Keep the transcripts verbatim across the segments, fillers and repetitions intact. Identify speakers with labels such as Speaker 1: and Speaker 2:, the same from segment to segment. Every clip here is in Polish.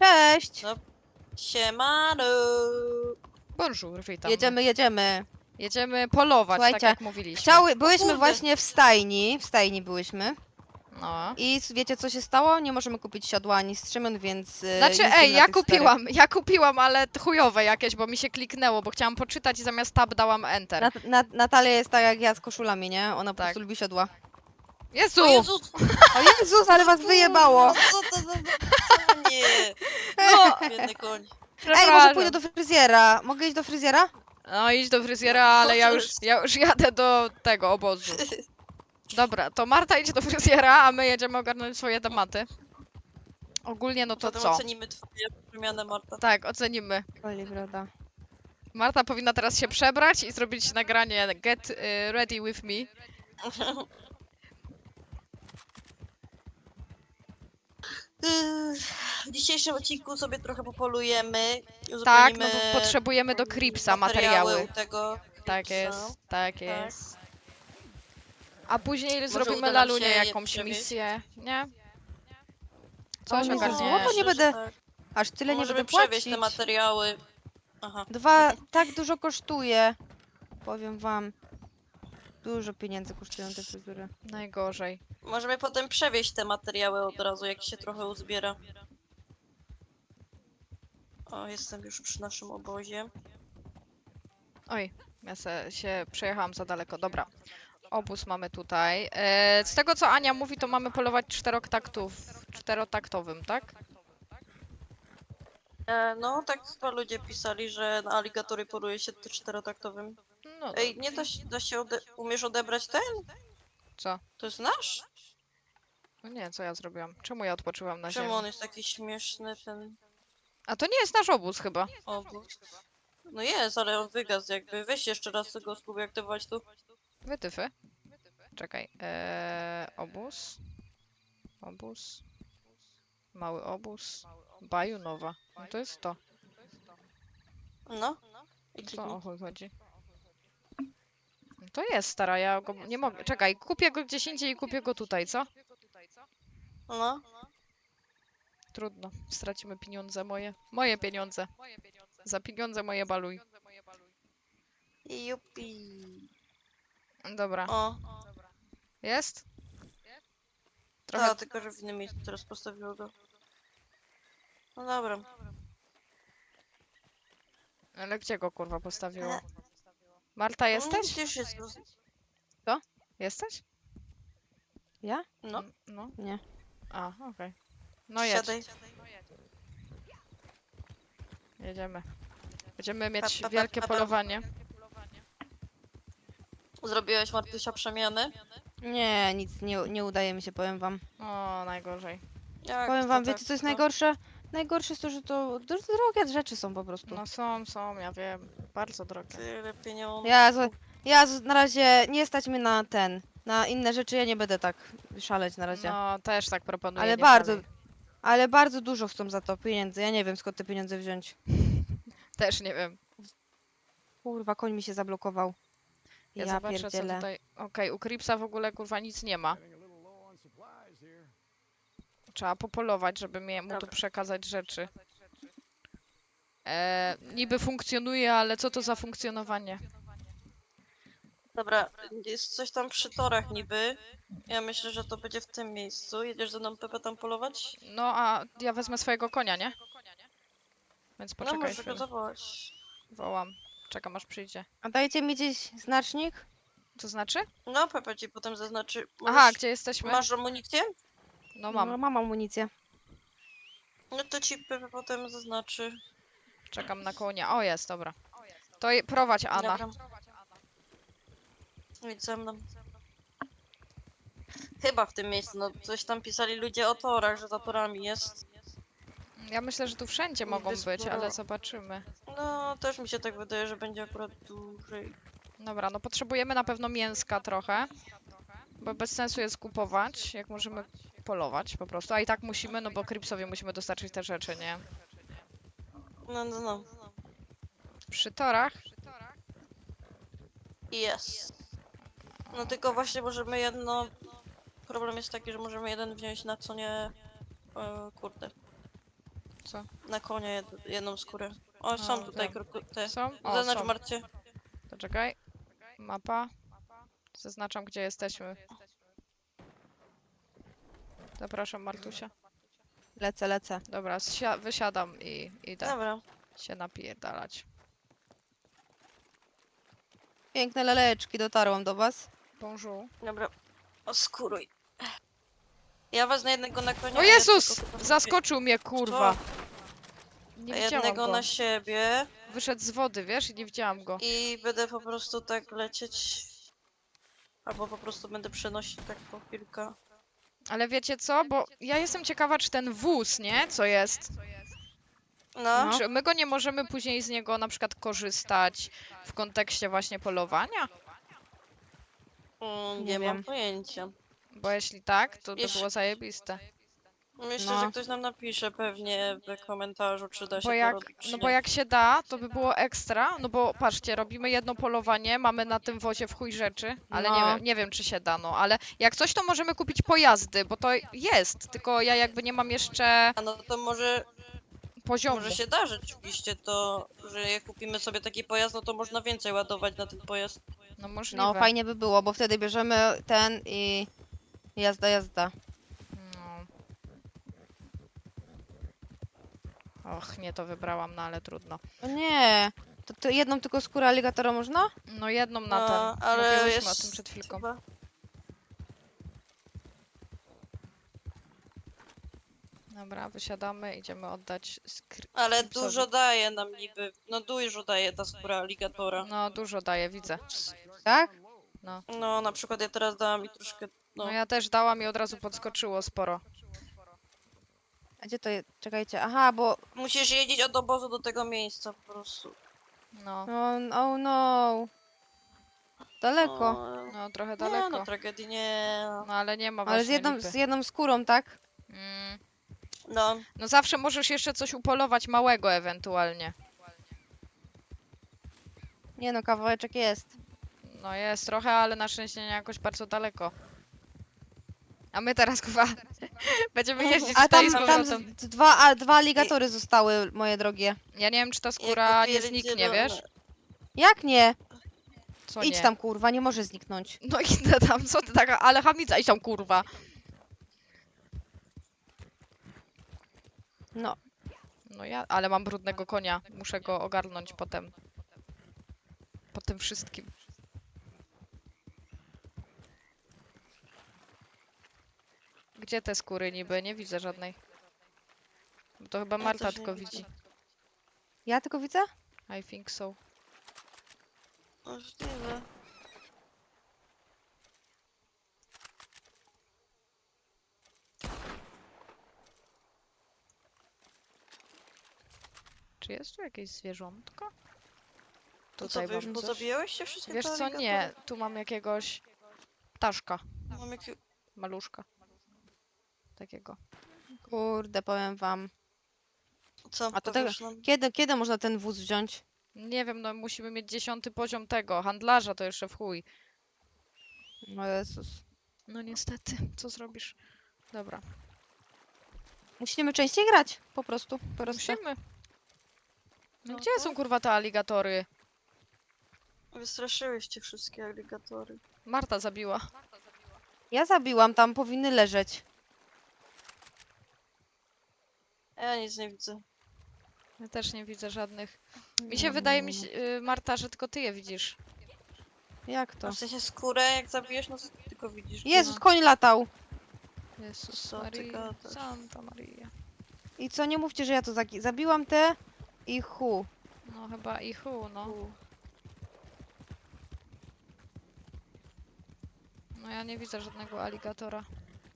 Speaker 1: Cześć!
Speaker 2: No, siemano!
Speaker 3: Bonjour, witam.
Speaker 1: Jedziemy, jedziemy.
Speaker 3: Jedziemy polować, tak
Speaker 1: Słuchajcie,
Speaker 3: jak mówiliśmy.
Speaker 1: Chciały, byliśmy
Speaker 2: kurde.
Speaker 1: właśnie w stajni, w stajni byłyśmy
Speaker 3: No.
Speaker 1: i s- wiecie co się stało? Nie możemy kupić siodła ani strzemion, więc e,
Speaker 3: Znaczy,
Speaker 1: jeździmy
Speaker 3: ej,
Speaker 1: na
Speaker 3: ja
Speaker 1: tych
Speaker 3: kupiłam, ja kupiłam, ale chujowe jakieś, bo mi się kliknęło, bo chciałam poczytać i zamiast tab dałam enter.
Speaker 1: starych. Na, na, Natalia jest tak jak ja z koszulami, nie? Ona po
Speaker 3: Tak.
Speaker 1: prostu lubi siodła.
Speaker 3: Jezu!
Speaker 2: O Jezus!
Speaker 1: O Jezus, ale was wyjebało!
Speaker 2: No co to za... Co nie?
Speaker 3: No,
Speaker 2: Biedny koń.
Speaker 1: Ej, może
Speaker 3: przepraszam.
Speaker 1: pójdę do fryzjera. Mogę iść do fryzjera?
Speaker 3: No idź do fryzjera, ale ja już, ja już jadę do tego obozu. Dobra, to Marta idzie do fryzjera, a my jedziemy ogarnąć swoje tematy. Ogólnie no to
Speaker 2: Potem
Speaker 3: co?
Speaker 2: ocenimy twoje przemianę, Marta.
Speaker 3: Tak, ocenimy.
Speaker 1: Oliwroda.
Speaker 3: Marta powinna teraz się przebrać i zrobić nagranie Get y, Ready With Me.
Speaker 2: W dzisiejszym odcinku sobie trochę popolujemy.
Speaker 3: Tak, no
Speaker 2: uzupełnimy
Speaker 3: bo potrzebujemy do Cripsa materiały.
Speaker 2: u tego.
Speaker 3: Tak
Speaker 2: Cripsa.
Speaker 3: jest, tak jest. A później zrobimy
Speaker 2: uda nam
Speaker 3: Lalunie
Speaker 2: się je
Speaker 3: jakąś
Speaker 2: przewieźć?
Speaker 3: misję, nie?
Speaker 1: O,
Speaker 3: Coś
Speaker 1: nie, za
Speaker 3: ogarniesz.
Speaker 1: złoto nie
Speaker 2: Myślę, że
Speaker 1: będę-
Speaker 2: tak.
Speaker 1: Aż tyle nie
Speaker 2: Możemy
Speaker 1: będę
Speaker 2: przewieźć te
Speaker 1: płacić.
Speaker 2: materiały. Aha.
Speaker 1: Dwa, tak dużo kosztuje. Powiem wam. Dużo pieniędzy kosztują te fryzury.
Speaker 3: Najgorzej.
Speaker 2: Możemy potem przewieźć te materiały od razu, jak się trochę uzbiera. O, jestem już przy naszym obozie.
Speaker 3: Oj, ja se, się przejechałam za daleko, dobra. Obóz mamy tutaj. E, z tego co Ania mówi, to mamy polować czterotaktów, czterotaktowym, tak?
Speaker 2: E, no, tak chyba ludzie pisali, że na aligatory poluje się to czterotaktowym.
Speaker 3: No
Speaker 2: Ej, nie da się, da się ode umiesz odebrać ten?
Speaker 3: co?
Speaker 2: To jest nasz?
Speaker 3: No nie, co ja zrobiłam? Czemu ja odpoczyłam na
Speaker 2: Czemu
Speaker 3: ziemi?
Speaker 2: on jest taki śmieszny, ten
Speaker 3: A to nie jest nasz obóz chyba.
Speaker 2: obóz? No jest, ale on wygasł jakby. Weź jeszcze raz tego spróbuj aktywować tu.
Speaker 3: Wytyfy. Czekaj. Eee, obóz. Obóz. Mały obóz. Bajunowa. No to jest to.
Speaker 2: No. I
Speaker 3: Co
Speaker 2: kliknij.
Speaker 3: o chuj chodzi? No to jest stara, ja go nie mogę. Czekaj, kupię go gdzieś indziej i kupię go tutaj, co?
Speaker 2: No.
Speaker 3: Trudno. Stracimy pieniądze moje. Moje pieniądze. Za pieniądze moje baluj.
Speaker 2: Jupi.
Speaker 3: Dobra.
Speaker 2: O,
Speaker 3: Jest? Trochę.
Speaker 2: tak, tylko że w innym miejscu teraz postawiło go. No dobra.
Speaker 3: Ale gdzie go kurwa postawiło? Marta,
Speaker 2: Mm,
Speaker 3: jesteś?
Speaker 2: Gdzieś jest.
Speaker 3: Jesteś?
Speaker 1: Ja?
Speaker 2: No,
Speaker 3: Mm, No.
Speaker 1: Nie.
Speaker 3: A, okej. No jedź.
Speaker 2: siadaj.
Speaker 3: Jedziemy. Będziemy mieć
Speaker 2: Pa, pa, pa,
Speaker 3: wielkie
Speaker 2: pa, pa.
Speaker 3: polowanie.
Speaker 2: Zrobiłeś, Martusia, przemiany?
Speaker 1: Nie, nic nie, nie udaje mi się, powiem wam.
Speaker 3: O, najgorzej.
Speaker 2: Jak
Speaker 1: Powiem
Speaker 2: to
Speaker 1: wam,
Speaker 2: tak,
Speaker 1: wiecie co jest
Speaker 2: to?
Speaker 1: najgorsze? Najgorsze jest to, że to do- drogie rzeczy są po prostu.
Speaker 3: No są, są, ja wiem. Bardzo drogie.
Speaker 2: Tyle pieniędzy.
Speaker 1: Ja, z- ja z- na razie nie stać mnie na ten, na inne rzeczy, ja nie będę tak szaleć na razie.
Speaker 3: No, też tak proponuję.
Speaker 1: Ale
Speaker 3: nie
Speaker 1: bardzo,
Speaker 3: szalej.
Speaker 1: ale bardzo dużo chcą za to pieniędzy, ja nie wiem skąd te pieniądze wziąć.
Speaker 3: Też nie wiem.
Speaker 1: Kurwa, koń mi się zablokował.
Speaker 3: Ja,
Speaker 1: Ja,
Speaker 3: zobaczę, co
Speaker 1: pierdzielę.
Speaker 3: tutaj. Okej, u Cripsa w ogóle kurwa nic nie ma. Trzeba popolować, żeby mnie, mu tu
Speaker 2: Dobra.
Speaker 3: przekazać rzeczy. E, niby funkcjonuje, ale co to za funkcjonowanie?
Speaker 2: Dobra, jest coś tam przy torach niby. Ja myślę, że to będzie w tym miejscu. Jedziesz ze mną, Pepe, tam polować?
Speaker 3: No, a ja wezmę swojego konia, nie? Więc
Speaker 2: No,
Speaker 3: poczekaj
Speaker 2: możesz go
Speaker 3: chwilę.
Speaker 2: zawołać.
Speaker 3: Wołam. Czekam aż przyjdzie.
Speaker 1: A dajcie mi gdzieś znacznik?
Speaker 3: To znaczy?
Speaker 2: No, Pepe ci potem zaznaczy.
Speaker 3: Aha,
Speaker 2: Możesz-
Speaker 3: gdzie jesteśmy?
Speaker 2: Masz amunicję?
Speaker 3: No
Speaker 1: No,
Speaker 3: mam.
Speaker 1: mam amunicję.
Speaker 2: No to ci Pepe potem zaznaczy.
Speaker 3: Czekam na konia. O, jest, dobra. To je- prowadź, Ana.
Speaker 2: Dobra. Idź ze mną. Chyba w tym miejscu, no coś tam pisali ludzie o torach, że za torami jest.
Speaker 3: Ja myślę, że tu wszędzie mogą być,
Speaker 2: sporo-
Speaker 3: ale zobaczymy.
Speaker 2: No, też mi się tak wydaje, że będzie akurat dłużej.
Speaker 3: Dobra, no potrzebujemy na pewno mięska trochę. Bo bez sensu jest kupować, jak możemy polować po prostu. A i tak musimy, no bo Cripsowi musimy dostarczyć te rzeczy, nie?
Speaker 2: No, no, no.
Speaker 3: Przy torach.
Speaker 2: Jest. No tylko właśnie możemy jedno... Problem jest taki, że możemy jeden wziąć na co nie... E, kurde.
Speaker 3: Co?
Speaker 2: Na konia jed jedną skórę. O, są
Speaker 3: A,
Speaker 2: tutaj
Speaker 3: wiem.
Speaker 2: kroku te.
Speaker 3: Są? O,
Speaker 2: Zaznacz
Speaker 3: są.
Speaker 2: Marcie.
Speaker 3: To czekaj. Mapa. Zaznaczam, gdzie jesteśmy. Zapraszam, Martusia.
Speaker 1: Lecę, lecę.
Speaker 3: Dobra, zsia- wysiadam i idę
Speaker 2: Dobra.
Speaker 3: się napierdalać.
Speaker 1: Piękne leleczki, dotarłam do was.
Speaker 3: Bonjour.
Speaker 2: Dobra. Oskuruj. Ja was na jednego na konia.
Speaker 3: O
Speaker 2: a
Speaker 3: Jezus!
Speaker 2: jednego chyba-
Speaker 3: Zaskoczył mnie, kurwa. Nie
Speaker 2: A
Speaker 3: widziałam
Speaker 2: jednego
Speaker 3: go.
Speaker 2: na siebie
Speaker 3: Wyszedł z wody, wiesz? I nie widziałam go.
Speaker 2: i będę po prostu tak lecieć. Albo po prostu będę przenosić tak po kilka.
Speaker 3: Ale wiecie co? Bo ja jestem ciekawa, czy ten wóz, nie? Co jest?
Speaker 2: No.
Speaker 1: No.
Speaker 3: Czy my go nie możemy później z niego na przykład korzystać w kontekście właśnie polowania?
Speaker 2: Mm,
Speaker 1: Nie
Speaker 2: nie
Speaker 1: wiem.
Speaker 2: mam pojęcia.
Speaker 3: Bo jeśli tak, to by
Speaker 2: Jeszcze-
Speaker 3: było zajebiste.
Speaker 2: Myślę,
Speaker 1: No.
Speaker 2: że ktoś nam napisze pewnie w komentarzu, czy da się
Speaker 3: Bo
Speaker 2: to
Speaker 3: jak,
Speaker 2: robić, czy
Speaker 3: no
Speaker 2: nie.
Speaker 3: bo jak się da, to by było ekstra. No bo patrzcie, robimy jedno polowanie, mamy na tym wozie w chuj rzeczy, ale nie,
Speaker 1: No.
Speaker 3: wiem, nie wiem, czy się da, no. Ale jak coś, to możemy kupić pojazdy, bo to jest, tylko ja jakby nie mam jeszcze
Speaker 2: A no to może,
Speaker 3: poziomu.
Speaker 2: może się da rzeczywiście to, że jak kupimy sobie taki pojazd, no to można więcej ładować na ten pojazd.
Speaker 3: No możliwe.
Speaker 1: No fajnie by było, bo wtedy bierzemy ten i jazda, jazda.
Speaker 3: No. Och, nie to wybrałam, no ale trudno.
Speaker 1: O nie, to, to jedną tylko skórę aligatora można?
Speaker 3: No jedną na
Speaker 2: No,
Speaker 3: ten.
Speaker 2: ale
Speaker 3: Mówiłyśmy
Speaker 2: jest
Speaker 3: o tym przed chwilką.
Speaker 2: chyba-
Speaker 3: Dobra, wysiadamy, idziemy oddać skr...
Speaker 2: Ale
Speaker 3: Psowi.
Speaker 2: dużo daje nam niby, no dużo daje ta skóra aligatora.
Speaker 3: No dużo daje, widzę.
Speaker 1: Tak?
Speaker 2: No, na przykład ja teraz dałam mi troszkę,
Speaker 3: No
Speaker 2: no.
Speaker 3: ja też dałam i od razu podskoczyło sporo.
Speaker 1: A gdzie to jest? Czekajcie, aha, bo...
Speaker 2: Musisz jeździć od obozu do tego miejsca po prostu.
Speaker 3: No,
Speaker 1: No, oh no. Daleko.
Speaker 2: No,
Speaker 3: no trochę
Speaker 2: nie,
Speaker 3: daleko.
Speaker 2: no tragedii nie.
Speaker 3: No ale nie ma
Speaker 1: Ale
Speaker 3: właśnie
Speaker 1: z jedną,
Speaker 3: lipy.
Speaker 1: z jedną skórą, tak?
Speaker 3: Mm.
Speaker 2: No,
Speaker 3: No zawsze możesz jeszcze coś upolować małego ewentualnie.
Speaker 1: Nie no, kawałeczek jest.
Speaker 3: No jest trochę, ale na szczęście nie jakoś bardzo daleko. A my teraz chyba będziemy jeździć
Speaker 1: A
Speaker 3: tutaj
Speaker 1: tam,
Speaker 3: z
Speaker 1: tam
Speaker 3: powrotem.
Speaker 1: z, dwa, a, dwa aligatory zostały, moje drogie.
Speaker 3: Ja nie wiem, czy ta
Speaker 2: jak
Speaker 3: skóra nie
Speaker 2: kupili
Speaker 3: zniknie,
Speaker 2: zielone-
Speaker 3: wiesz?
Speaker 1: Jak nie?
Speaker 3: Co
Speaker 1: Idź
Speaker 3: nie?
Speaker 1: tam, kurwa, nie może zniknąć.
Speaker 3: No idę tam, co ty taka, ale chamica, idź tam kurwa.
Speaker 1: No,
Speaker 3: No ja, ale mam brudnego konia, muszę go ogarnąć potem. Po tym wszystkim. Gdzie te skóry niby? Nie widzę żadnej. To chyba
Speaker 2: Ja
Speaker 3: Marta
Speaker 2: też nie
Speaker 3: tylko
Speaker 2: widzę.
Speaker 3: widzi.
Speaker 1: ja tylko widzę?
Speaker 3: I think so.
Speaker 2: Możliwe.
Speaker 3: Czy jest tu jakieś zwierzątko?
Speaker 2: To co,
Speaker 3: Tutaj
Speaker 2: wy już
Speaker 3: mam coś.
Speaker 2: pozabijałeś się wszystkie
Speaker 3: Wiesz
Speaker 2: te
Speaker 3: co,
Speaker 2: aligatory?
Speaker 3: nie. Tu mam jakiegoś ptaszka,
Speaker 2: Mam jakie...
Speaker 3: maluszka. Takiego.
Speaker 1: Kurde, powiem wam.
Speaker 2: Co,
Speaker 1: A to
Speaker 2: powiesz nam?
Speaker 1: Kiedy, kiedy można ten wóz wziąć?
Speaker 3: Nie wiem, no musimy mieć dziesiąty poziom tego. Handlarza to jeszcze w chuj.
Speaker 1: O Jezus.
Speaker 3: No niestety, co zrobisz? Dobra,
Speaker 1: Musimy częściej grać, po prostu. Po prostu.
Speaker 3: musimy. No
Speaker 2: No
Speaker 3: gdzie
Speaker 2: tak.
Speaker 3: są kurwa te aligatory?
Speaker 2: Wystraszyłyście wszystkie aligatory.
Speaker 3: Marta zabiła.
Speaker 1: Ja zabiłam, tam powinny leżeć.
Speaker 2: Ja nic nie widzę.
Speaker 3: Ja też nie widzę żadnych. Mi się wydaje, mi się, y, Marta, że tylko ty je widzisz.
Speaker 1: Jak to?
Speaker 2: No w sensie skórę, jak zabijesz, no to tylko widzisz.
Speaker 1: Jezus,
Speaker 3: No.
Speaker 1: koń latał.
Speaker 3: Jezus
Speaker 2: Co ty
Speaker 3: Maria,
Speaker 2: gadasz?
Speaker 3: Santa Maria.
Speaker 1: I co, nie mówcie, że ja to zagi- zabiłam te i hu.
Speaker 3: No chyba i chu, no.
Speaker 2: U.
Speaker 3: No ja nie widzę żadnego aligatora.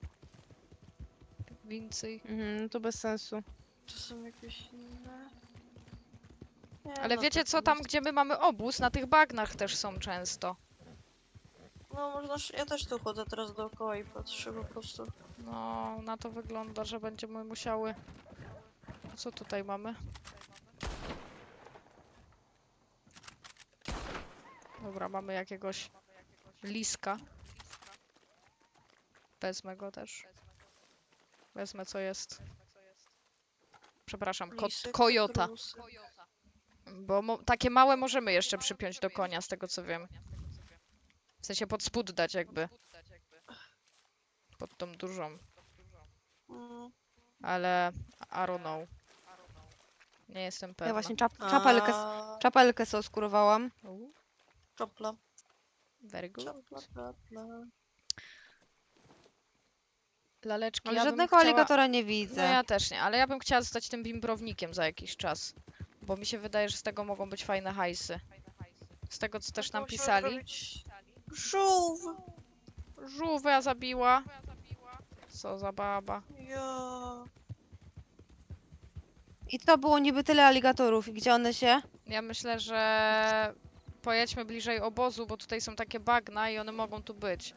Speaker 3: Więcej.
Speaker 1: Mhm, no to bez sensu.
Speaker 2: To są jakieś inne? Nie,
Speaker 3: Ale
Speaker 2: no
Speaker 3: wiecie
Speaker 2: to
Speaker 3: co, tam gdzie my mamy obóz, na tych bagnach też są często.
Speaker 2: No można, sz- ja też tu chodzę teraz dookoła i patrzę po prostu.
Speaker 3: No, na to wygląda, że będziemy musiały... Co tutaj mamy? Dobra, mamy jakiegoś liska. Wezmę go też. Wezmę co jest. Przepraszam, kot,
Speaker 2: Lisy,
Speaker 3: kojota.
Speaker 2: kutrusy.
Speaker 3: Bo mo takie małe możemy jeszcze przypiąć do konia, z tego co wiem. W sensie pod spód dać jakby. Pod tą dużą.
Speaker 2: Mm.
Speaker 3: Ale I don't know. Nie jestem pewna.
Speaker 1: Ja właśnie czap czapelkę, s-
Speaker 2: A,
Speaker 1: czapelkę sobie skurowałam.
Speaker 3: U,
Speaker 2: Czopla.
Speaker 3: very good.
Speaker 2: Czopla, bla, bla.
Speaker 3: Laleczki,
Speaker 1: Ale
Speaker 3: ja bym
Speaker 1: żadnego
Speaker 3: chciała...
Speaker 1: aligatora nie
Speaker 3: No
Speaker 1: widzę.
Speaker 3: ja też nie, ale ja bym chciała zostać tym bimbrownikiem za jakiś czas. Bo mi się wydaje, że z tego mogą być fajne hajsy. Z tego co też
Speaker 2: To
Speaker 3: nam
Speaker 2: musimy
Speaker 3: pisali.
Speaker 2: zrobić Żółw!
Speaker 3: Żółwia zabiła. Co za baba.
Speaker 2: Ja.
Speaker 1: I to było niby tyle aligatorów. I gdzie one się?
Speaker 3: Ja myślę, że pojedźmy bliżej obozu, bo tutaj są takie bagna i one mogą tu być.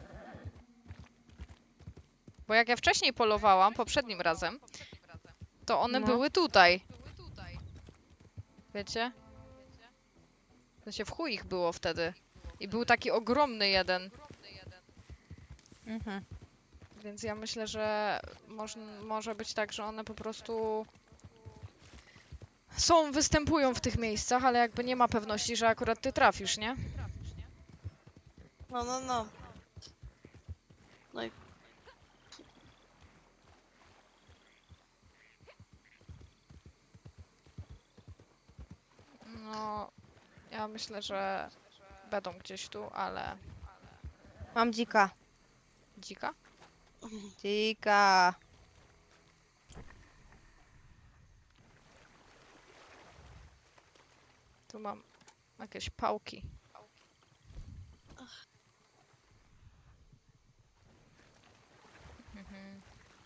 Speaker 3: Bo jak ja wcześniej polowałam, poprzednim razem, to one
Speaker 1: No.
Speaker 3: były tutaj. Wiecie? W sensie w chuj ich było wtedy. I był taki ogromny jeden.
Speaker 1: Mhm.
Speaker 3: Więc ja myślę, że moż, może być tak, że one po prostu są, występują w tych miejscach, ale jakby nie ma pewności, że akurat ty trafisz, nie?
Speaker 2: No, no, no. No i
Speaker 3: No, ja myślę, że będą gdzieś tu, ale...
Speaker 1: Mam dzika.
Speaker 3: Dzika?
Speaker 1: Dzika.
Speaker 3: Tu mam jakieś pałki. Mhm.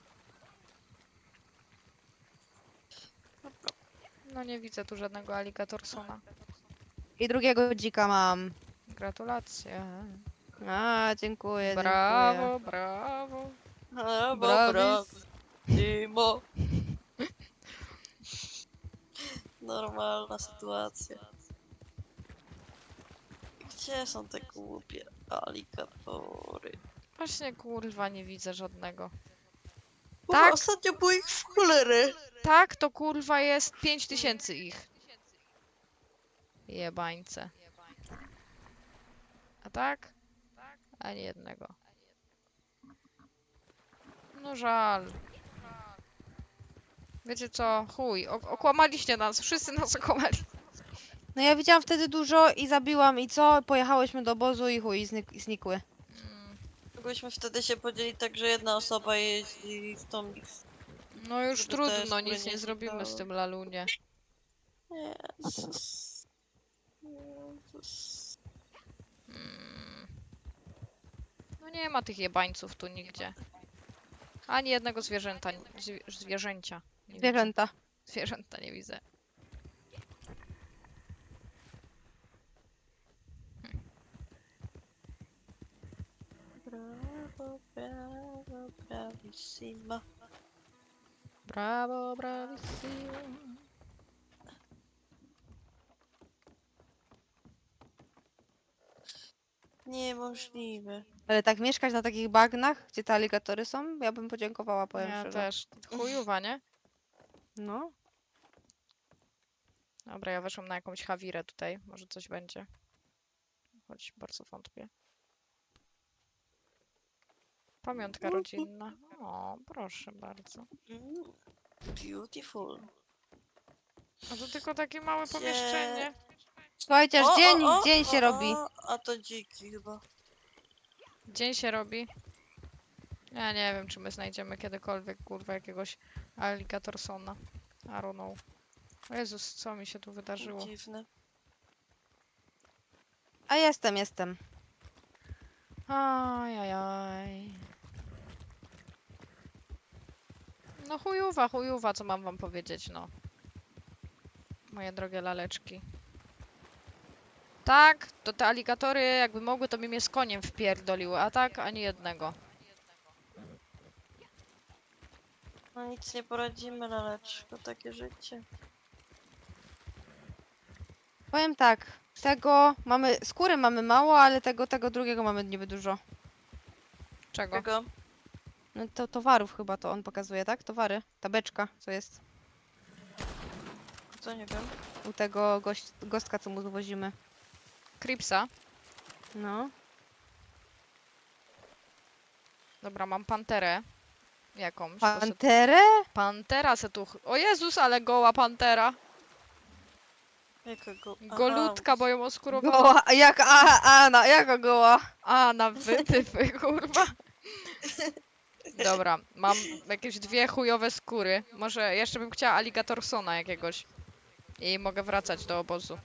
Speaker 3: No nie widzę tu żadnego alligatorsona.
Speaker 1: I drugiego dzika mam.
Speaker 3: Gratulacje.
Speaker 1: A, dziękuję,
Speaker 3: Brawo, brawo.
Speaker 2: brawo,
Speaker 1: Bravis.
Speaker 2: brawo. Timo. Normalna sytuacja. Gdzie są te głupie aligatory?
Speaker 3: Właśnie kurwa nie widzę żadnego.
Speaker 2: Bo
Speaker 3: Tak?
Speaker 2: ostatnio było ich w cholerę.
Speaker 3: Tak, to kurwa jest pięć tysięcy ich. Jebańce. A tak? Ani jednego. No żal. Wiecie co? Chuj, ok- okłamaliście nas, wszyscy nas okłamali.
Speaker 1: No ja widziałam wtedy dużo i zabiłam i co? Pojechałyśmy do obozu i chuj, znik i znikły.
Speaker 3: Mm,
Speaker 2: Mogłyśmy wtedy się podzielić tak, że jedna osoba jeździ w tą...
Speaker 3: No już
Speaker 2: Żeby te
Speaker 3: trudno,
Speaker 2: skóry
Speaker 3: nic
Speaker 2: nie
Speaker 3: nie zrobimy z
Speaker 2: znikały.
Speaker 3: tym lalunie.
Speaker 2: Jezus. Jezus.
Speaker 3: Mm. No nie ma tych jebańców tu nigdzie. Ani jednego zwierzęta, zwie, zwierzęcia. Nie widzę.
Speaker 1: Zwierzęta.
Speaker 3: Zwierzęta nie widzę.
Speaker 2: Brawo, brawo, bravissima.
Speaker 3: Brawo, bravissimo.
Speaker 2: Niemożliwe.
Speaker 1: Ale tak mieszkać na takich bagnach, gdzie te aligatory są, ja bym podziękowała, powiem
Speaker 3: Ja
Speaker 1: szczerze.
Speaker 3: też. Chujowa, nie?
Speaker 1: No.
Speaker 3: Dobra, ja weszłam na jakąś hawirę tutaj. Może coś będzie. Choć bardzo wątpię. Pamiątka rodzinna. O, proszę bardzo.
Speaker 2: Mm, beautiful.
Speaker 3: A to tylko takie małe
Speaker 2: Gdzie-
Speaker 3: pomieszczenie.
Speaker 1: Słuchajcie, aż
Speaker 2: O,
Speaker 1: dzień,
Speaker 2: o, o,
Speaker 1: dzień się
Speaker 2: o,
Speaker 1: robi.
Speaker 2: o, a to dziki chyba.
Speaker 3: Dzień się robi. Ja nie wiem, czy my znajdziemy kiedykolwiek, kurwa, jakiegoś alligatorsona. I don't know. O Jezus, co mi się tu wydarzyło?
Speaker 2: Dziwne.
Speaker 1: A jestem, jestem.
Speaker 3: Ajajaj. No chujowa, chujowa, co mam wam powiedzieć, no. Moje drogie laleczki. Tak, to te aligatory jakby mogły, to by mnie z koniem wpierdoliły, a tak ani jednego.
Speaker 2: No nic nie poradzimy, laleczko, takie życie.
Speaker 1: Powiem tak, tego mamy, skóry mamy mało, ale tego, tego drugiego mamy niby dużo.
Speaker 3: Czego?
Speaker 2: Czego?
Speaker 1: No to towarów chyba to on pokazuje, tak? Towary, ta beczka, co jest.
Speaker 2: To nie wiem.
Speaker 1: U tego gość, gostka, co mu zwozimy.
Speaker 3: Cripsa.
Speaker 1: No.
Speaker 3: Dobra, mam panterę. Jakąś. to se...
Speaker 1: Panterę?
Speaker 3: Pantera se tu... ch- O Jezus, ale goła pantera.
Speaker 2: Jakiego? Aha.
Speaker 3: Golutka, bo ją oskurowała.
Speaker 1: Goła, jak a, Ana, jaka goła?
Speaker 3: A, na wytyfy, kurwa. Dobra, mam jakieś dwie chujowe skóry. Może jeszcze bym chciała alligatorsona jakiegoś. I mogę wracać do obozu.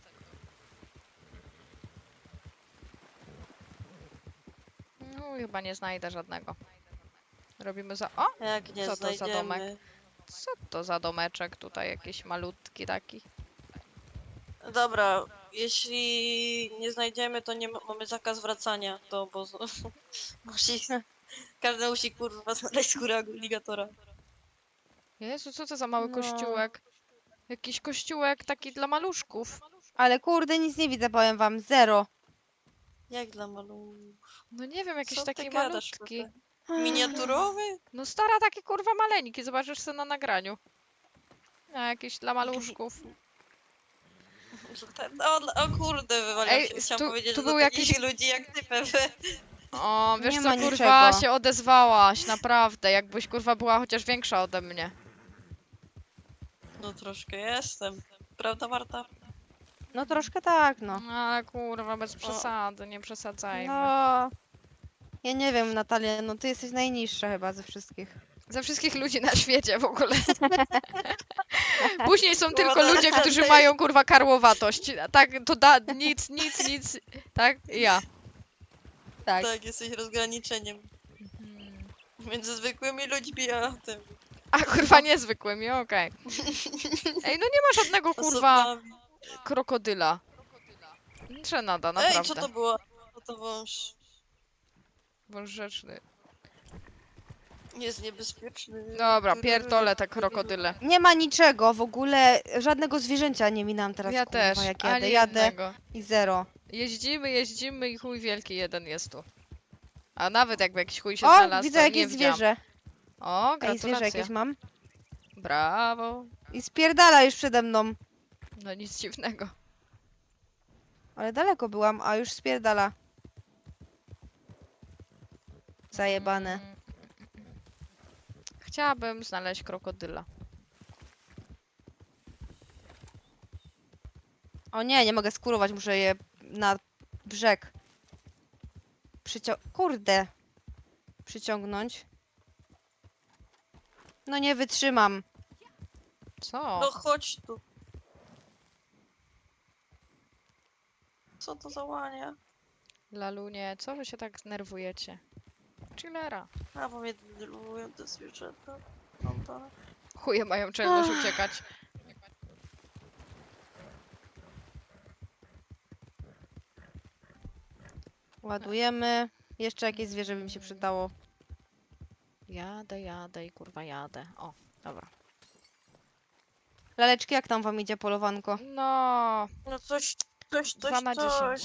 Speaker 3: No, chyba nie znajdę żadnego. Robimy za... O!
Speaker 2: Jak nie
Speaker 3: Co to za domek?
Speaker 2: znajdziemy.
Speaker 3: Co to za domeczek tutaj? Jakiś malutki taki.
Speaker 2: Dobra, jeśli nie znajdziemy, to nie ma, mamy zakaz wracania do obozu. Musi, każdy musi kurwa znaleźć skórę aligatora.
Speaker 3: Jezu, co to za mały
Speaker 1: No.
Speaker 3: kościółek? Jakiś kościółek taki dla maluszków.
Speaker 1: Ale kurde, nic nie widzę, powiem wam. Zero.
Speaker 2: Jak dla malu...
Speaker 3: No nie wiem, jakiś
Speaker 2: Co ty
Speaker 3: taki
Speaker 2: gadasz,
Speaker 3: malutki.
Speaker 2: Pepe? Miniaturowy?
Speaker 3: No stara, taki kurwa maleńki, zobaczysz sobie na nagraniu. A jakiś dla maluszków.
Speaker 2: O, dla- o kurde, wywaliłam
Speaker 3: Ej,
Speaker 2: się. Chciałam
Speaker 3: tu-
Speaker 2: powiedzieć,
Speaker 3: tu
Speaker 2: że
Speaker 3: był
Speaker 2: do takich
Speaker 3: jakiś-
Speaker 2: ludzi jak ty, Pepe.
Speaker 3: O, wiesz
Speaker 1: Nie
Speaker 3: co,
Speaker 1: ma
Speaker 3: kurwa,
Speaker 1: niczego.
Speaker 3: się odezwałaś, naprawdę. Jakbyś kurwa była chociaż większa ode mnie.
Speaker 2: No troszkę jestem. Prawda, Marta?
Speaker 1: No troszkę tak, no.
Speaker 3: No, ale kurwa, bez przesady, nie przesadzajmy.
Speaker 1: No. Ja nie wiem, Natalia, no ty jesteś najniższa chyba ze wszystkich.
Speaker 3: Ze wszystkich ludzi na świecie w ogóle. Później są tylko
Speaker 2: Młoda
Speaker 3: ludzie, którzy
Speaker 2: raczej.
Speaker 3: mają kurwa karłowatość. Tak, to da nic, nic, nic. Tak? Ja.
Speaker 1: Tak.
Speaker 2: Tak, jesteś rozgraniczeniem
Speaker 3: Mhm.
Speaker 2: między zwykłymi ludźmi a tym.
Speaker 3: A kurwa niezwykłymi, okej. Ej, no nie ma żadnego kurwa
Speaker 2: osobami.
Speaker 3: krokodyla. Żenada,
Speaker 2: Ej,
Speaker 3: naprawdę.
Speaker 2: co to było? No to wąż.
Speaker 3: Wąż rzeczny.
Speaker 2: Jest niebezpieczny.
Speaker 3: Dobra, pierdolę te krokodyle.
Speaker 1: Nie ma niczego w ogóle, żadnego zwierzęcia nie minam teraz,
Speaker 3: Ja
Speaker 1: kurwa,
Speaker 3: też,
Speaker 1: jak jadę.
Speaker 3: ani
Speaker 1: Jadę
Speaker 3: jednego.
Speaker 1: i zero.
Speaker 3: Jeździmy, jeździmy i chuj wielki jeden jest tu. A nawet jakby jakiś chuj się
Speaker 1: O,
Speaker 3: znalazł,
Speaker 1: widzę
Speaker 3: to
Speaker 1: jakieś
Speaker 3: nie widziałam.
Speaker 1: zwierzę.
Speaker 3: O,
Speaker 1: Ej, zwierzę
Speaker 3: gratulacje.
Speaker 1: jakieś mam.
Speaker 3: Brawo.
Speaker 1: I spierdala już przede mną.
Speaker 3: No nic dziwnego.
Speaker 1: Ale daleko byłam, a już spierdala. Zajebane.
Speaker 3: Mm. Chciałabym znaleźć krokodyla.
Speaker 1: O nie, nie mogę skurować, muszę je na brzeg. Przycią... Kurde. Przyciągnąć. No nie wytrzymam.
Speaker 3: Co?
Speaker 2: No chodź tu. Co to za łania?
Speaker 3: Lalunie, co wy się tak znerwujecie? Chillera.
Speaker 2: A, bo mnie denerwują te zwierzęta. Mam to.
Speaker 3: Chuje mają czelność uciekać.
Speaker 1: Ładujemy. Jeszcze jakieś zwierzę by mi się przydało.
Speaker 3: Jadę, jadę i kurwa jadę. O, dobra.
Speaker 1: Laleczki, jak tam wam idzie polowanko?
Speaker 3: No,
Speaker 2: No coś, coś,
Speaker 3: Dwa
Speaker 2: coś,
Speaker 3: na
Speaker 2: coś.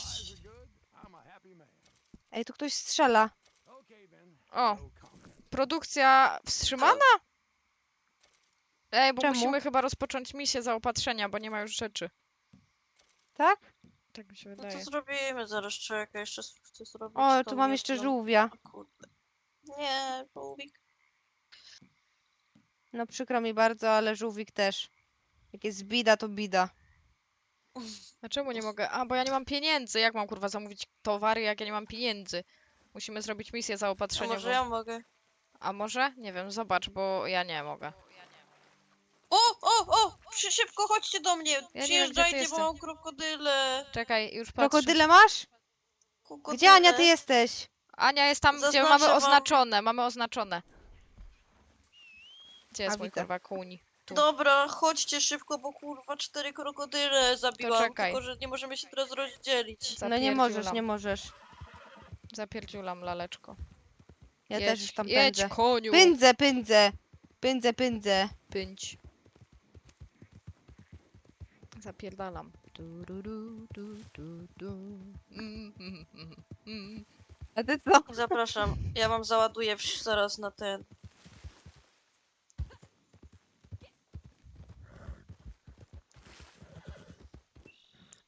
Speaker 1: Ej, tu ktoś strzela.
Speaker 3: o, produkcja wstrzymana? Ej, bo
Speaker 1: Czemu?
Speaker 3: musimy chyba rozpocząć misję zaopatrzenia, bo nie ma już rzeczy.
Speaker 1: Tak?
Speaker 3: Tak mi się
Speaker 2: No to
Speaker 3: wydaje.
Speaker 2: zrobimy, zaraz czekaj, jeszcze chcę zrobić
Speaker 1: O,
Speaker 2: tą
Speaker 1: tu mam jeszcze
Speaker 2: jedną-
Speaker 1: żółwia.
Speaker 2: O kurde. Nie, żółwik.
Speaker 1: No przykro mi bardzo, ale żółwik też. Jak jest bida, to bida.
Speaker 3: A czemu nie mogę? A, bo ja nie mam pieniędzy. Jak mam kurwa zamówić towary, jak ja nie mam pieniędzy? Musimy zrobić misję
Speaker 2: A
Speaker 3: zaopatrzeniową.
Speaker 2: może ja mogę?
Speaker 3: A może? Nie wiem, zobacz, bo ja nie mogę.
Speaker 2: O, o, o! Szy- Szybko chodźcie do mnie!
Speaker 3: wiem, gdzie ty
Speaker 2: Przyjeżdżajcie,
Speaker 3: jesteś.
Speaker 2: bo mam krokodyle!
Speaker 3: Czekaj, już patrzę.
Speaker 1: Krokodyle masz?
Speaker 2: Krokodyle.
Speaker 1: Gdzie, Ania, ty jesteś?
Speaker 3: Ania jest tam, gdzie
Speaker 2: Zaznaczę
Speaker 3: mamy
Speaker 2: wam-
Speaker 3: oznaczone, mamy oznaczone. Gdzie jest
Speaker 1: A,
Speaker 3: mój
Speaker 1: widzę.
Speaker 3: kurwa kuń? Tu.
Speaker 2: Dobra, chodźcie szybko, bo kurwa cztery krokodyle zabiłam,
Speaker 3: czekaj.
Speaker 2: tylko że nie możemy się teraz rozdzielić.
Speaker 1: No nie możesz,
Speaker 3: Zapierdziulam.
Speaker 1: nie możesz.
Speaker 3: Zapierdziulam, laleczko.
Speaker 1: Ja
Speaker 3: jedź,
Speaker 1: też już tam
Speaker 3: jedź,
Speaker 1: pędzę.
Speaker 3: koniu!
Speaker 1: Pędzę, pędzę. Pędzę, pędzę.
Speaker 3: Pędź. Zapierdalam. Du, du, du, du, du, du. Mm, mm, mm, mm.
Speaker 1: A ty co?
Speaker 2: Zapraszam, ja wam załaduję wsz- zaraz na ten.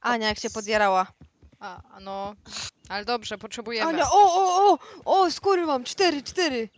Speaker 1: Ania jak się podjarała.
Speaker 3: A, a no. Ale dobrze, potrzebujemy.
Speaker 1: Ania, o, o, o! O, skóry mam, cztery, cztery.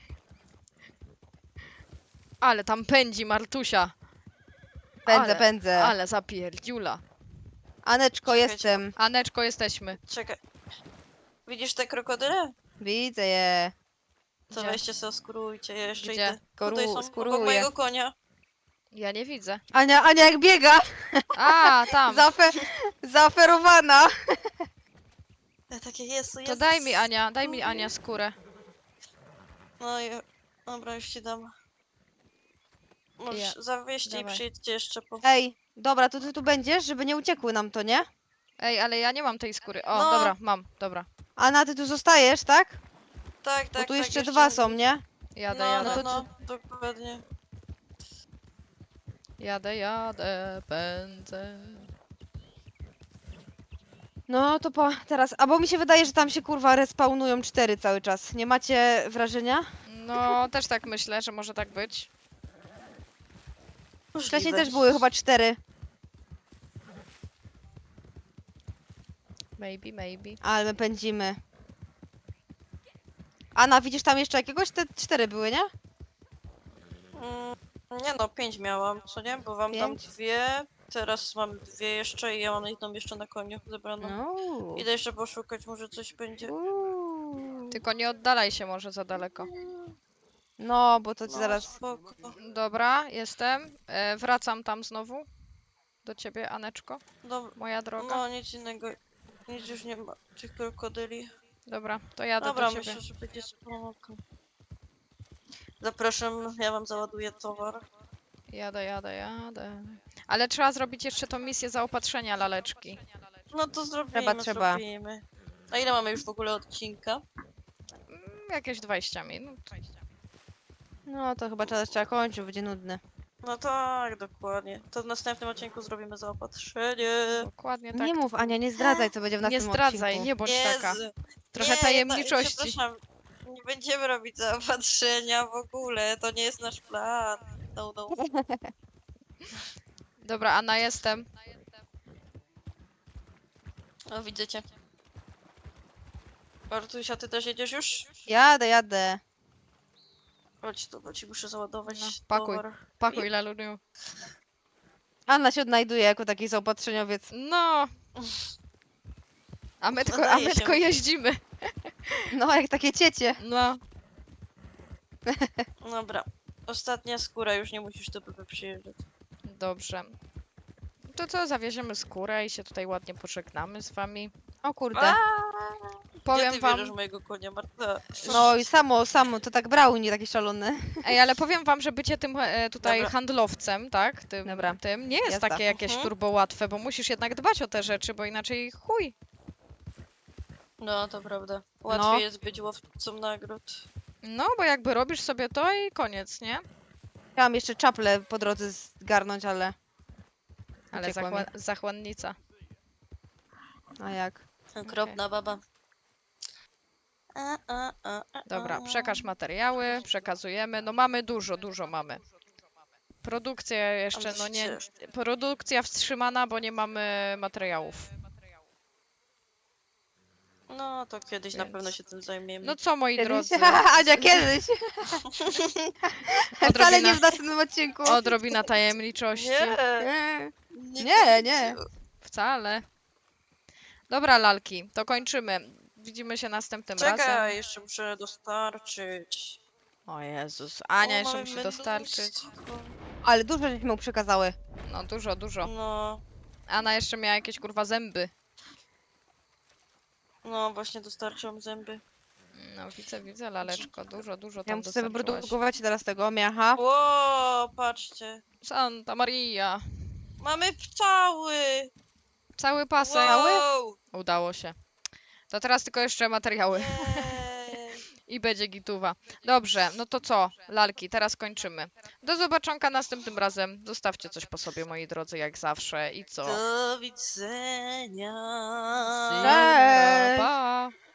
Speaker 3: Ale tam pędzi Martusia.
Speaker 1: Pędzę,
Speaker 3: ale,
Speaker 1: pędzę.
Speaker 3: Ale zapierdziula.
Speaker 1: Aneczko,
Speaker 2: Czekajcie,
Speaker 1: jestem.
Speaker 3: Aneczko, jesteśmy.
Speaker 2: Czekaj. Widzisz te krokodyle?
Speaker 1: Widzę je.
Speaker 2: To
Speaker 3: Gdzie?
Speaker 2: weźcie sobie, skurujcie, ja jeszcze
Speaker 3: Gdzie?
Speaker 2: idę.
Speaker 1: Skoru-
Speaker 2: Tutaj są obok
Speaker 1: skuruję.
Speaker 2: mojego konia.
Speaker 3: Ja nie widzę.
Speaker 1: Ania, Ania jak biega.
Speaker 3: A, tam.
Speaker 1: Zafe zaoferowana.
Speaker 2: Ja takie, jest, jest.
Speaker 3: To daj mi Ania, daj mi Ania skórę.
Speaker 2: No i... Dobra, już ci dam. Możesz
Speaker 3: Ja-
Speaker 2: zawieźcie i
Speaker 3: dawaj.
Speaker 2: przyjedźcie jeszcze po...
Speaker 1: Ej, dobra, to ty tu będziesz, żeby nie uciekły nam to, nie?
Speaker 3: Ej, ale ja nie mam tej skóry. O,
Speaker 2: No.
Speaker 3: dobra, mam, dobra.
Speaker 1: Ana, ty tu zostajesz, tak?
Speaker 2: Tak, tak,
Speaker 1: Bo tu
Speaker 2: tak,
Speaker 1: jeszcze dwa są, nie?
Speaker 3: Jadę,
Speaker 2: No,
Speaker 3: jadę.
Speaker 2: no,
Speaker 1: to-
Speaker 2: no, dokładnie.
Speaker 3: Jadę, jadę, pędzę.
Speaker 1: No to pa, teraz. A bo mi się wydaje, że tam się kurwa respawnują cztery cały czas. Nie macie wrażenia?
Speaker 3: No, też tak myślę, że może tak być.
Speaker 1: Wcześniej
Speaker 2: Możliwe.
Speaker 1: też były chyba cztery.
Speaker 3: Maybe, maybe.
Speaker 1: Ale my pędzimy. Ana, widzisz tam jeszcze jakiegoś? Te cztery były, nie?
Speaker 2: Mm, nie no, pięć miałam, co nie? Bo wam dam
Speaker 1: Pięć?
Speaker 2: dwie, teraz mam dwie jeszcze i ja mam jedną jeszcze na koniu zebraną.
Speaker 1: No.
Speaker 2: Idę jeszcze poszukać, może coś będzie.
Speaker 1: Uuu.
Speaker 3: Tylko nie oddalaj się może za daleko.
Speaker 1: No, bo to ci
Speaker 2: No,
Speaker 1: zaraz.
Speaker 2: spoko.
Speaker 3: Dobra, jestem. E, wracam tam znowu. Do ciebie, Aneczko,
Speaker 2: Dobra,
Speaker 3: moja droga.
Speaker 2: no nic innego, nic już nie ma tych krokodyli.
Speaker 3: Dobra, to jadę
Speaker 2: Dobra,
Speaker 3: do ciebie.
Speaker 2: myślę, że będzie spoko. Zapraszam, ja wam załaduję towar.
Speaker 3: Jadę, jadę, jadę. Ale trzeba zrobić jeszcze tą misję zaopatrzenia laleczki.
Speaker 2: No to zrobimy,
Speaker 1: Trzeba, trzeba.
Speaker 2: zrobimy. A ile mamy już w ogóle odcinka?
Speaker 3: Mm, Jakieś dwadzieścia minut.
Speaker 1: No to chyba teraz trzeba kończyć, bo będzie nudny.
Speaker 2: No tak, dokładnie. To w następnym odcinku zrobimy zaopatrzenie.
Speaker 3: Dokładnie tak.
Speaker 1: Nie mów, Ania, nie zdradzaj, co będzie w
Speaker 3: Nie
Speaker 1: następnym
Speaker 3: zdradzaj,
Speaker 1: odcinku.
Speaker 3: nie bądź taka.
Speaker 2: Jezu.
Speaker 3: Trochę
Speaker 2: Nie,
Speaker 3: tajemniczości.
Speaker 2: Ja, przepraszam, nie będziemy robić zaopatrzenia w ogóle, to nie jest nasz plan. No, no.
Speaker 3: Dobra, Anna, jestem.
Speaker 2: O, widzę cię. Bartusia, ty też jedziesz już?
Speaker 1: Jadę, jadę.
Speaker 2: Chodź tu, bo ci muszę załadować
Speaker 3: No, pakuj.
Speaker 2: towar.
Speaker 3: Pakuj, laluniu.
Speaker 1: Anna się odnajduje jako taki zaopatrzeniowiec.
Speaker 3: No. A my tylko, a
Speaker 2: Nadaje
Speaker 3: my
Speaker 2: się.
Speaker 3: tylko jeździmy.
Speaker 1: No, jak takie ciecie.
Speaker 3: No.
Speaker 2: Dobra. Ostatnia skóra, już nie musisz do P P przyjeżdżać.
Speaker 3: Dobrze. To co, zawieziemy skórę i się tutaj ładnie pożegnamy z wami.
Speaker 1: O kurde.
Speaker 2: A, Gdzie
Speaker 3: Powiem
Speaker 2: ty
Speaker 3: wam,
Speaker 2: bierzesz mojego konia, Marta?
Speaker 1: No i samo, samo, to tak brał, nie taki szalony.
Speaker 3: ej, ale powiem wam, że bycie tym e, tutaj
Speaker 2: Dobra.
Speaker 3: handlowcem, tak? Tym,
Speaker 1: Dobra.
Speaker 3: tym nie jest
Speaker 1: Jazda.
Speaker 3: takie jakieś
Speaker 2: Mhm.
Speaker 3: turbo łatwe, bo musisz jednak dbać o te rzeczy, bo inaczej chuj.
Speaker 2: No, to prawda. Łatwiej
Speaker 1: No.
Speaker 2: jest być łowcą nagród.
Speaker 3: No, bo jakby robisz sobie to i koniec, nie?
Speaker 1: Chciałam jeszcze czaple po drodze zgarnąć, ale...
Speaker 3: Ale
Speaker 1: Uciekła mi.
Speaker 3: zachła zachłannica.
Speaker 1: A jak?
Speaker 2: Okropna baba. A, a, a, a,
Speaker 3: Dobra,
Speaker 2: a.
Speaker 3: przekaż materiały, przekazujemy. No mamy dużo, dużo mamy. Produkcja jeszcze,
Speaker 2: Ale
Speaker 3: no nie...
Speaker 2: ciężko.
Speaker 3: Produkcja wstrzymana, bo nie mamy materiałów.
Speaker 2: No, to kiedyś na
Speaker 3: Więc-
Speaker 2: pewno się tym zajmiemy.
Speaker 3: No co, moi
Speaker 1: Kiedyś?
Speaker 3: drodzy,
Speaker 1: Ania, kiedyś. Wcale nie w następnym odcinku.
Speaker 3: odrobina tajemniczości.
Speaker 2: Nie,
Speaker 1: Nie. Nie, nie.
Speaker 3: Wcale. Dobra, lalki, to kończymy. Widzimy się następnym
Speaker 2: Czekaj,
Speaker 3: razem.
Speaker 2: jeszcze muszę dostarczyć.
Speaker 3: O Jezus, Ania
Speaker 2: O,
Speaker 3: jeszcze
Speaker 2: mamy
Speaker 3: musi dostarczyć.
Speaker 2: mnóstwo.
Speaker 1: Ale dużo żeśmy mu przekazały.
Speaker 3: No dużo, dużo.
Speaker 2: No,
Speaker 3: Anna jeszcze miała jakieś kurwa zęby.
Speaker 2: no właśnie dostarczyłam zęby.
Speaker 3: No widzę, widzę, laleczko, dużo, dużo
Speaker 1: Ja
Speaker 3: tam
Speaker 1: muszę sobie
Speaker 3: dostarczyłaś.
Speaker 1: wyprodukować teraz tego miacha.
Speaker 2: Ło, patrzcie.
Speaker 3: Santa Maria.
Speaker 2: Mamy pszczoły!
Speaker 3: Cały pasek.
Speaker 2: Wow!
Speaker 3: Udało się. To teraz tylko jeszcze materiały.
Speaker 2: Jej.
Speaker 3: I będzie gituwa. Dobrze, no to co, lalki, teraz kończymy. Do zobaczonka następnym razem. Zostawcie coś po sobie, moi drodzy, jak zawsze. I co?
Speaker 2: Do widzenia.
Speaker 3: See you.
Speaker 1: Cześć.
Speaker 3: Pa!